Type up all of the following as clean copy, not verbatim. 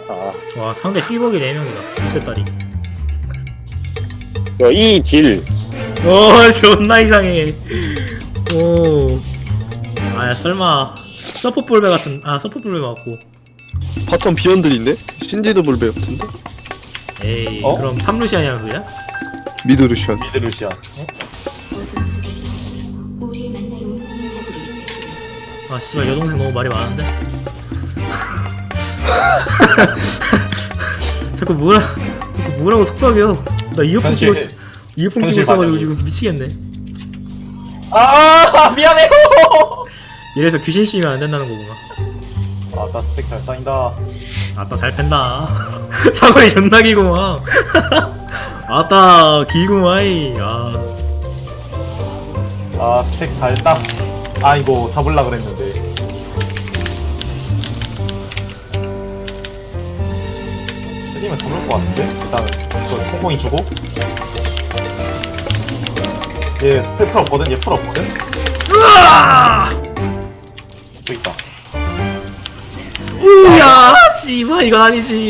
아, 와 상대 삐벅이 4명이다. 이때따리. 이 딜. 오 존나 이상해. 오. 아야 설마 서포 볼배 같은 서포 볼배 맞고. 바텀 비언들인데? 신지도 볼베 같은데? 에이 어? 그럼 탐루시아냐 그야? 미드 루시안. 미드 루시안. 아 씨발 여동생 너무 말이 많은데. 자꾸 뭐라고 속삭여. 나 이어폰 끼고 현실 있어가지고 반영이. 지금 미치겠네. 아 미안해. 이래서 귀신 씌우면 안 된다는 거구나. 아나 스택 잘 쌓인다. 아따 잘 팬다. 사거리 존나 길구만. 아따 길구마이. 아 스택 다 했다. 아 이거 잡을라 그랬는데. 때리면 잡을 것 같은데? 일단 이거 콩콩이 주고. 얘풀 없거든? 얘 풀 없거든? 으아! 저기 있다. 우야 씨발 이건 아니지.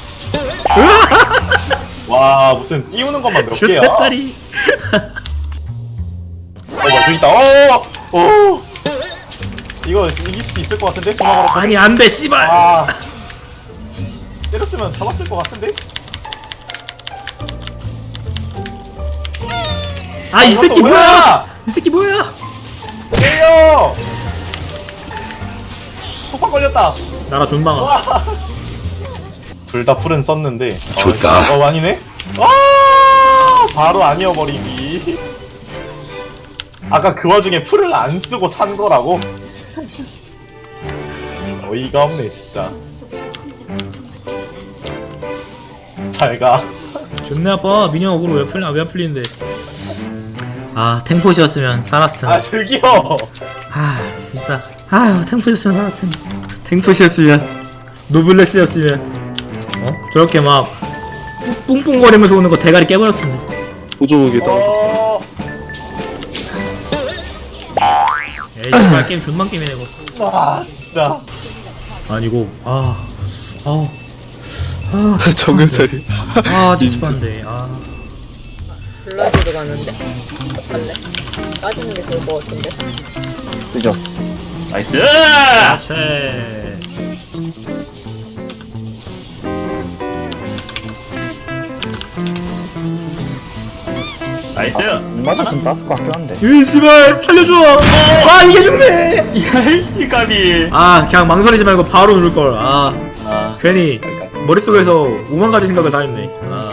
와 무슨 띄우는 것만 몇 개야? 쭈떼다리. 뭐야 저기 있다. 이거 이길 수도 있을 것 같은데? 전화가로 아니 안돼 씨발. 아 때렸으면 잡았을 것 같은데? 아 이 이것도 새끼 뭐야? 뭐야? 이 새끼 뭐야? 때려! 속박 걸렸다. 나라 존망아. 둘 다 풀은 썼는데. 좋다. 아니네? 바로 아니어버리기. 아까 그 와중에 풀을 안 쓰고 산 거라고? 어이가 없네 진짜. 잘 가. 존내 아빠 미니언 어그로 왜안 풀리는데. 탱포시였으면 살았을 텐데. 저기요. 진짜 탱포시였으면 살았을 텐데. 탱포시였으면 노블레스였으면 저렇게 막 뿡뿡거리면서 오는 거 대가리 깨버렸을 텐데. 보조개다. 에이 정말 게임 존만 게임이네 이거. 와 진짜. 아니고 정글자리. 찝찝한데. 블라디로 가는데? 어떡할래? 빠지는 게 좋을 것 같은데? 늦었어. 나이스! 최. 나이스! 맞았으면 땄을 것 같긴 한데. 으 씨발 살려줘. 이게 죽네. 야이씨 까비! 그냥 망설이지 말고 바로 누를걸. 아, 괜히 머릿속에서 5만 가지 생각을 다 했네.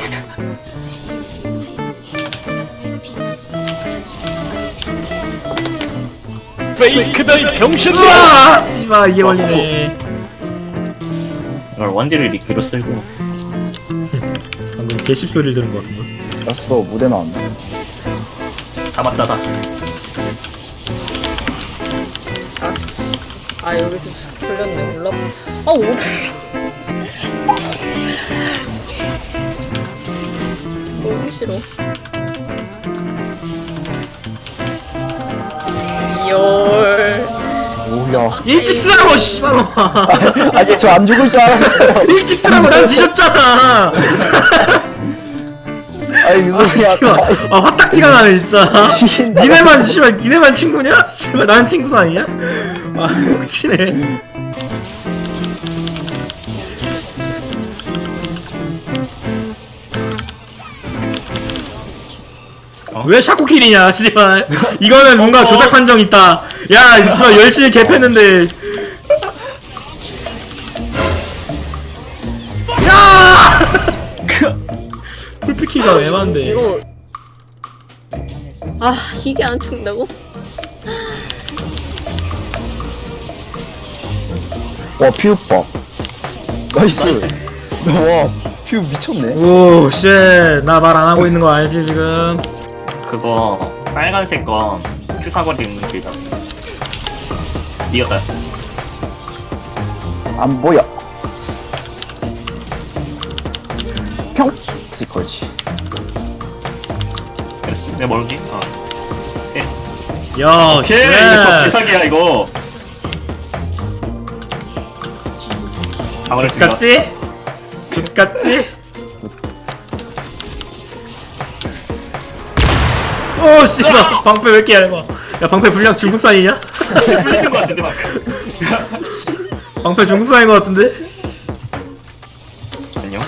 페이크다 이 으아! 씨발 이게 걸리네. 이걸 원딜을 리퀴로 쓸고 방금 개씹 소리를 들은 것 같은데. 야스로 무대 나왔네. 잡았다 다. 여기서 풀렸네. 몰라. 오! 너무 싫어. 이열. 오야. 일찍 쓰라고 씨발놈아. 아니 저 안 죽을 줄 알았어요. 일찍 쓰라고 난 뒤졌잖아. 아니 무슨 씨발 소리야. 화딱지가 나네 진짜. 이긴다. 니네만 친구냐? 씨발 난 친구도 아니냐? 혹치네. 왜 샤코킬이냐 씨발. 이거는 뭔가 조작 판정 있다. 야 씨발 열심히 개패는데. 야! 풀피키가 애만데. 이거. 이게 안 죽는다고? 와 퓨빠. 나이스. 와 퓨 미쳤네. 오, 쉣. 나 말 안 하고 있는 거 알지, 지금? 그거 빨간색 건 큐사거리 있는 길다. 이겼다. 안 보여. 평. 그렇지. 그렇지. 내 모르지? 야, 오케이! 쉣. 이거 개사기야 이거. 방어를 들려. 같지? X같지? 오 씨발 방패 왜 이렇게 얇아? 야 방패 분량 중국산이냐? 풀리는 것 같은데 막. 방패 중국산인 것 같은데? 안녕.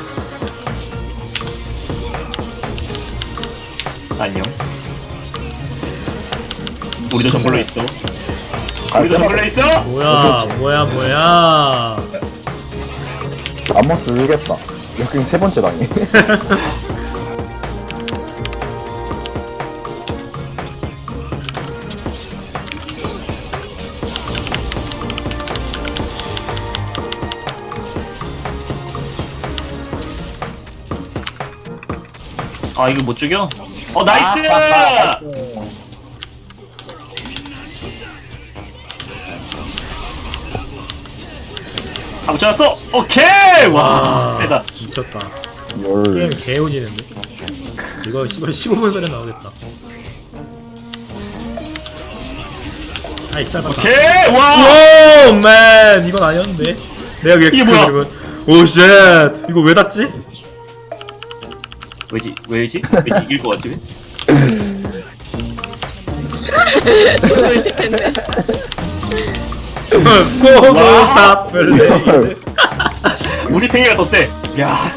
안녕. 우리도 정글로 있어. 우리도 정글로 있어. 뭐야 람머스 울겠다. 역행 세 번째 당해. 아 이거 못 죽여? 나이스! 아 붙여놨어! 오케이! 와 세다. 미쳤다 열. 게임 개오지는데? 이거 씨발 15분 전에 나오겠다 아이 씨발 오케이! 와! 오맨 이건 아니었는데 내가 왜 이게 뭐야? 오쉣 이거 왜 닿지? 왜지? 왜지 이길 것 같지? 고고다 플레이 우리 팽이가 더 세! 야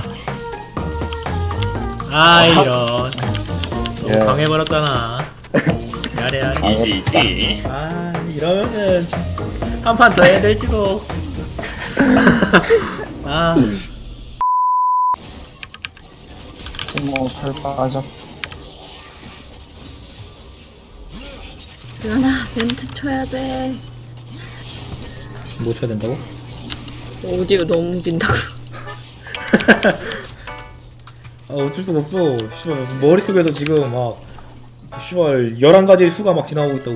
이런 예. 방해버렸잖아 야래 이지 이러면은 한 판 더 해야 될지도 털 빠졌. 연아 멘트 쳐야 돼. 뭐 쳐야 된다고? 오디오 너무 빈다고. 어쩔 수가 없어 씨발 머릿속에서 지금 막 씨발 11가지의 수가 막 지나오고 있다고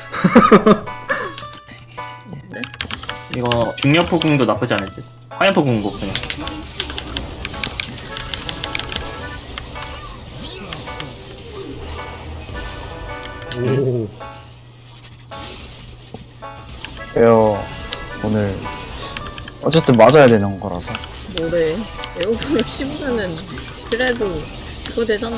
이거 중력포궁도 나쁘지 않을 듯. 화염포궁 그냥. 오 에어 오늘 어쨌든 맞아야 되는 거라서. 뭐래? 에어컨을 씹으면은 그래도 그거 되잖아.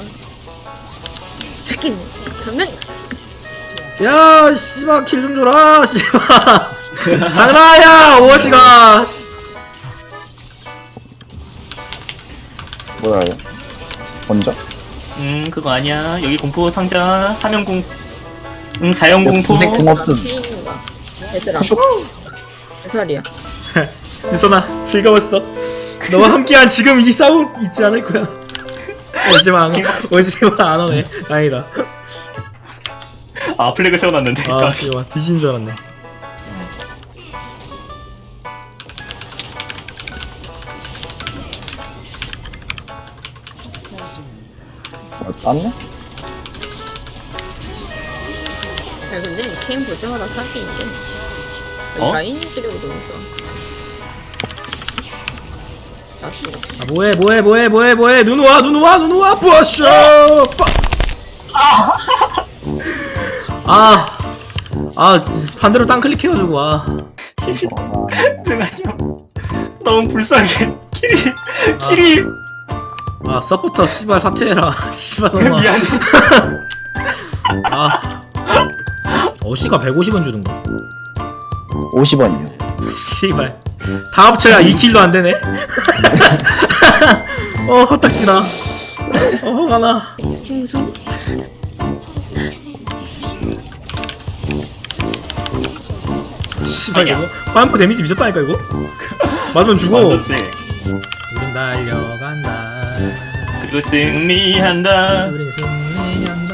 치킨 그러면 야, 씨발 킬 좀 줘라, 씨발. 장난이야, 오버시가. 뭐야 얘? 먼저? 그거 아니야. 여기 공포 상자 사면공. 사형공포. 무슨 공업슨. 피는 거야. 얘들아. 푸슉. 몇 살이야? 유선아, 즐거웠어. 너와 함께한 지금 이 싸움 잊지 않을 거야. 오지마, 오지마 안 오네. 다행이다. 아 플래그 세워놨는데. 아, 씨발 뒤진 줄 알았네. 땄네? 야 근데 게임 볼 때마다 사기 있지. 라인 지르고 너무 좋아. 나도. 아, 뭐해. 눈 와, 부어쇼. 반대로 땅 클릭해가지고 와. 너무 불쌍해. 키리. 서포터 씨발 사퇴해라. 씨발 놈아. 미안해. 어시가 150원 주던가. 50원이요. 씨발. 다 합쳐야 2킬도 안 되네. 헛딱지나. 화가 나. 생수? 씨발 이거 파이프 데미지 미쳤다니까 이거. 맞으면 죽어. 완전 세. 우린 달려간다. 그리고 승리한다. 우린 승리한다.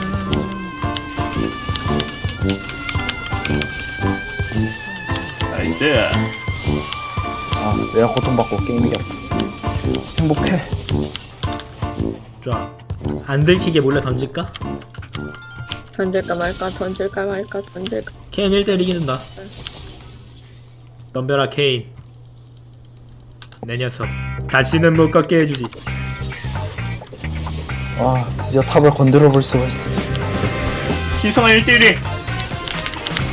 나이스. 내가 고통받고 게임 이겼다. 행복해. 좋아. 안 들키게 몰래 던질까? 던질까 말까. 케인 1대1 이긴다. 덤벼라 케인. 내 녀석 다시는 못 걷게 해주지. 드디어 탑을 건드려 볼 수가 있어. 신성한 1대1이.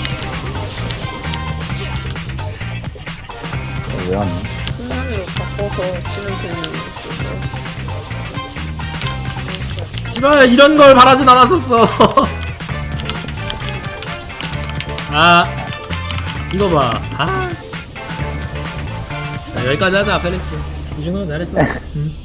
왜 왔니? 순간으로 바꿔. 더 치는 편이 있어서. 씨발 이런 걸 바라진 않았었어. 아 이거 봐. 아 자, 여기까지 하자 페리스. 이 정도면 잘했어.